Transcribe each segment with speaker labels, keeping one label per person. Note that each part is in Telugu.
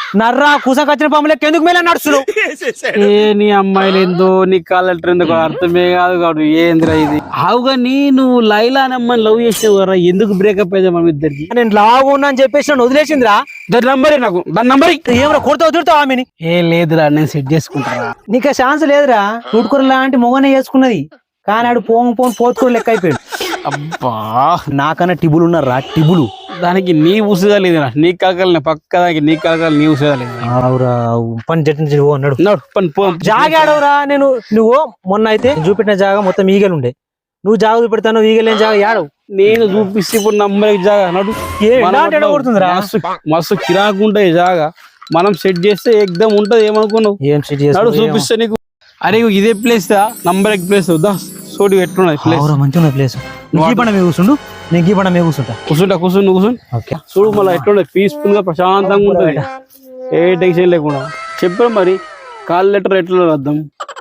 Speaker 1: నర్రా కూసకొచ్చిన పాములకి ఎందుకు మేలా నడుస్తున్నావు?
Speaker 2: ఏ నీ అమ్మాయిలు ఏందో నీ కాలెటర్ ఎందుకు అర్థమే కాదు కాదు ఏందిరా ఇది. ఆవుగా నువ్వు లైలా అని అమ్మాయిని లవ్ చేసావు కదా, ఎందుకు బ్రేకప్ అయ్యా మన ఇద్దరికి?
Speaker 1: నేను లావు ఉన్నా అని చెప్పేసి నన్ను వదిలేసిందిరా.
Speaker 2: దాని నంబరే నాకు, దాని నంబర్
Speaker 1: ఏమరా కొడతావు తిడతావు ఆమెని?
Speaker 2: ఏ లేదురా నేను సెట్ చేసుకుంటారా.
Speaker 1: నీకు ఛాన్స్ లేదురా. చూడుకూర లాంటి మొగనే చేసుకున్నది కానీ ఆడు పోతుకూర లెక్క అయిపోయాడు.
Speaker 2: అబ్బా
Speaker 1: నాకన్నా టిబులు ఉన్నారా టిబులు.
Speaker 2: దానికి నీ ఉసుగా లేదురా, నీ కాకలు పక్క దానికి నీ కాకలు నీ ఉసుగా లేదు.
Speaker 1: అవురా పని జట్టు అన్నాడు
Speaker 2: పని
Speaker 1: జాగాడవురా. నువ్వు మొన్న అయితే చూపెట్టిన జాగా మొత్తం ఈగలు ఉండే, నువ్వు జాగా చూపెడతాను ఈగలేని జాగా యాడవు.
Speaker 2: నేను చూపిస్తే ఇప్పుడు నంబర్ జాగా నడు
Speaker 1: కొడుతుందిరా.
Speaker 2: మస్తు కిరాకు ఉంటాయి జాగా, మనం సెట్ చేస్తే ఎగ్దమ్ ఉంటది. ఏమనుకున్నావు?
Speaker 1: ఏం సెట్ చేస్తావు?
Speaker 2: చూపిస్తే నీకు. అరే ఇదే ప్లేస్ నంబర్ ఎగ్ ప్లేస్ సోడి ఎట్లున్నది ప్లేస్?
Speaker 1: మంచిగా ప్లేస్. కూర్చుండు, నేను గీపడ మీద కూర్చుంటా.
Speaker 2: కూర్చుని చూడు మళ్ళీ ఎట్లుంటది, పీస్ఫుల్ గా ప్రశాంతంగా ఉంటది, ఏ టెన్షన్ లేకుండా. చెప్పారు మరి కాల్ లెటర్ ఎట్లా రాద్దాం?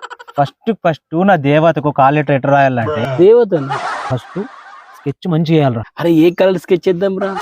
Speaker 1: ఫస్ట్ నా దేవతకు కాల్ లెటర్ ఎట్లా రాయాలంటే,
Speaker 2: దేవత
Speaker 1: ఫస్ట్ స్కెచ్ మంచిగా వేయాలరా.
Speaker 2: అరే ఏ కలర్ స్కెచ్ చేద్దాం రా?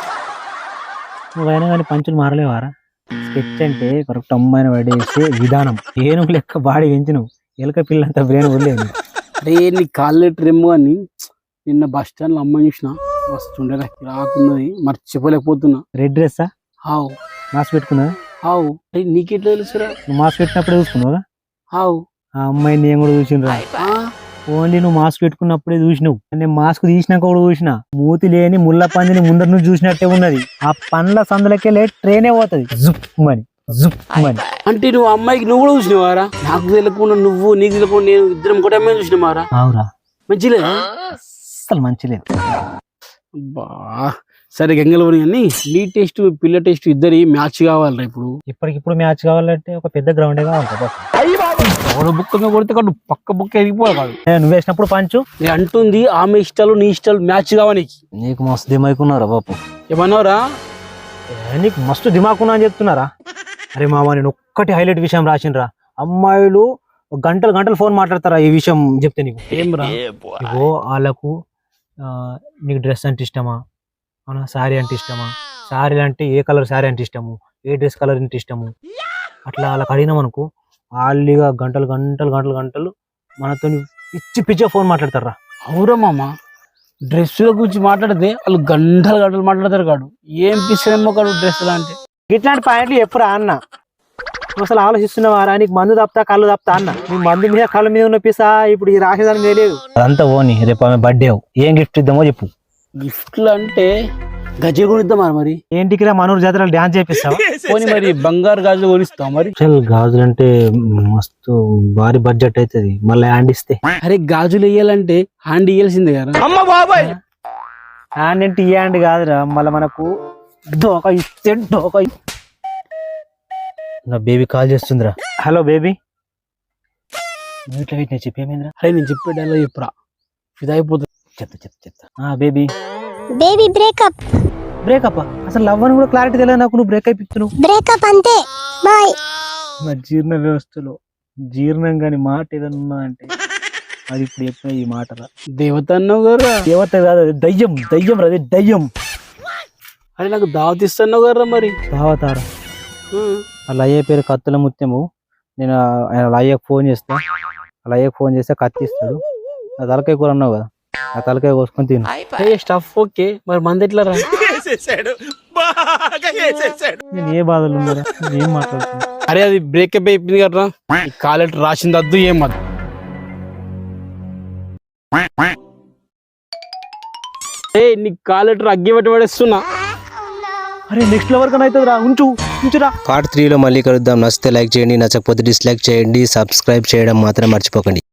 Speaker 1: నువ్వైనా కానీ పంచులు మారలేవారా? స్కెచ్ అంటే కరెక్ట్ అమ్మాయిని పడేసే విధానం. ఏనుగు లెక్క బాడీ పెంచినవు, ఎలుక పిల్లంతా బ్రెయిన్ వదిలేదు.
Speaker 2: అరే నీ కాల్ లెటర్ ఏమో అని నిన్న బస్ స్టాండ్ లో అమ్మాయి చూసిన, మస్తు ఉండే రాకున్నది, మర్చిపోలేకపోతున్నా.
Speaker 1: రెడ్ డ్రెస్సా?
Speaker 2: హావు.
Speaker 1: మాస్క్ పెట్టుకున్నా?
Speaker 2: హావు. నీకెట్లా తెలుసురా?
Speaker 1: నువ్వు మాస్క్ పెట్టినప్పుడే చూసుకున్నావుగా.
Speaker 2: హావు.
Speaker 1: ఆ అమ్మాయి నేను కూడా చూసినరా. ఓన్లీ నువ్వు మాస్క్ పెట్టుకున్నప్పుడే చూసినావు, నేను మాస్క్ తీసినాక కూడా చూసిన. మూతి లేని ముళ్ళ పందిని ముందర నుంచి చూసినట్టే ఉన్నది. ఆ పండ్ల సందులకెళ్ళి ట్రైనే పోతుంది జుప్ మని.
Speaker 2: అంటే నువ్వు అమ్మాయికి నువ్వు కూడా చూసినవారా? నాకు తెలియకుండా నువ్వు, నీకు తెలియకుండా నేను, ఇద్దరం కూడా అమ్మాయి చూసినవారా?
Speaker 1: అవురా.
Speaker 2: మంచిలే,
Speaker 1: అసలు మంచి లేదు.
Speaker 2: అబ్బా సరే గంగలవని అని నీ టేస్ట్ పిల్ల టేస్ట్ ఇద్దరి మ్యాచ్ కావాలరా.
Speaker 1: ఇప్పటికిప్పుడు మ్యాచ్ కావాలంటే ఒక పెద్ద గ్రౌండే కావాలి.
Speaker 2: బుక్క మీద కొడితే కాదు, పక్క బుక్క ఎదిగిపోవాలి కాదు.
Speaker 1: నువ్వు వేసినప్పుడు పంచు
Speaker 2: అంటుంది ఆమె ఇష్టాలు నీ ఇష్టాలు మ్యాచ్ కావాలి.
Speaker 1: నీకు మస్తు దిమాకున్నారా బాపు?
Speaker 2: ఏమన్నావురా?
Speaker 1: నీకు మస్తు దిమాకున్నా అని చెప్తున్నారా? అరే మామ, నేను ఒక్కటి హైలైట్ విషయం రాసినరా. అమ్మాయిలు గంటలు ఫోన్ మాట్లాడతారా ఈ విషయం చెప్తే నీకు?
Speaker 2: ఏం రా?
Speaker 1: ఇగో వాళ్ళకు నీకు డ్రెస్ అంటే ఇష్టమా, శారీ అంటే ఇష్టమా, శారీ అంటే ఏ కలర్ శారీ అంటే ఇష్టము, ఏ డ్రెస్ కలర్ అంటే ఇష్టము, అట్లా వాళ్ళకి అడిగినాం అనుకో, వాళ్ళిగా గంటలు మనతో పిచ్చి ఫోన్ మాట్లాడతారా.
Speaker 2: అవురా మామ, డ్రెస్సుల గురించి మాట్లాడితే వాళ్ళు గంటలు మాట్లాడతారు కాడు. ఏం పిస్తేమో కాడు డ్రెస్సులు అంటే.
Speaker 1: ఇట్లాంటి పాయింట్లు ఎప్పుడు అన్న నువ్వు అసలు ఆలోచిస్తున్నావారా? నీకు మందు తప్పుతా కళ్ళు తప్పుతా అన్న. నీ మందు మీద కళ్ళ మీద ఉన్న పిసా ఇప్పుడు ఈ రాసేదానికి తెలియదు. అదంతా ఓని. రేపు ఆమె బర్త్డే, ఏం గిఫ్ట్ ఇద్దామో చెప్పు.
Speaker 2: గిఫ్ట్లు అంటే గజ కొనిద్దామా? మరి
Speaker 1: ఏంటికి రా, మనూరు జాతరలో డాన్స్ చేపిస్తావా?
Speaker 2: పోనీ మరి బంగారు గాజులు కొనిస్తావు మరి?
Speaker 1: గాజులు అంటే మస్తు భారీ బడ్జెట్ అవుతుంది, మళ్ళీ హ్యాండ్ ఇస్తే.
Speaker 2: అరే గాజులు వేయాలంటే హ్యాండ్ ఇయ్యాల్సిందే కదా.
Speaker 1: అమ్మ బాబాయ్, హ్యాండ్ అంటే ఈ హ్యాండ్ కాదురా, మళ్ళీ మనకు డోకా ఇస్తే డోకా. నా బేబీ కాల్ చేస్తుందిరా. Hello baby. చెప్పేమేంద్రా?
Speaker 2: అరే నేను చెప్పే డైలాగ్ చెప్పురా, ఫిదా అయిపోతుంది.
Speaker 1: చెప్తా. బేబీ బ్రేకప్ అసలు లవ్ అని కూడా క్లారిటీ తెలియదు నాకు. నువ్వు బ్రేకప్ ఇస్తున్నావు.
Speaker 3: బ్రేకప్ అంతే, బాయ్.
Speaker 1: నా జీర్ణ వ్యవస్థలో జీర్ణం కాని మాట ఏదన్నా అంటే అది ఇప్పుడు చెప్పిన ఈ మాటరా.
Speaker 2: దేవత అన్నావు కదా.
Speaker 1: దేవత కాదు, అది దయ్యం రా, అది దయ్యం.
Speaker 2: అరే నాకు దావత్ ఇస్తున్నావు కదా మరి.
Speaker 1: దావతారా? వాళ్ళ అయ్యే పేరు కత్తుల ముత్యము. నేను వాళ్ళ అయ్యకు ఫోన్ చేస్తా, వాళ్ళ అయ్యకు ఫోన్ చేస్తే కత్తి ఇస్తాడు. ఆ తలకాయ కూర అన్నావు కదా, ఆ తలకాయ కోసుకొని తిను.
Speaker 2: స్టఫ్ ఓకే, మరి మంది ఎట్లా రా?
Speaker 1: నేను ఏ బాధలు ఉన్నారా, ఏం మాట్లాడుతున్నా?
Speaker 2: అరే అది బ్రేకప్ అయిపోయింది కదా, కాలెట్ రాసింది వద్దు ఏం వద్దు. నీకు కాలెటర్ అగ్గి పెట్టి పడేస్తున్నా.
Speaker 1: అరే నెక్స్ట్ లెవెల్ కన్నా అవుతుంది రా, ఉంచురా.
Speaker 4: పార్ట్ 3లో మళ్ళీ కలుద్దాం. నచ్చితే లైక్ చేయండి, నచ్చకపోతే డిస్లైక్ చేయండి, సబ్స్క్రైబ్ చేయడం మాత్రం మర్చిపోకండి.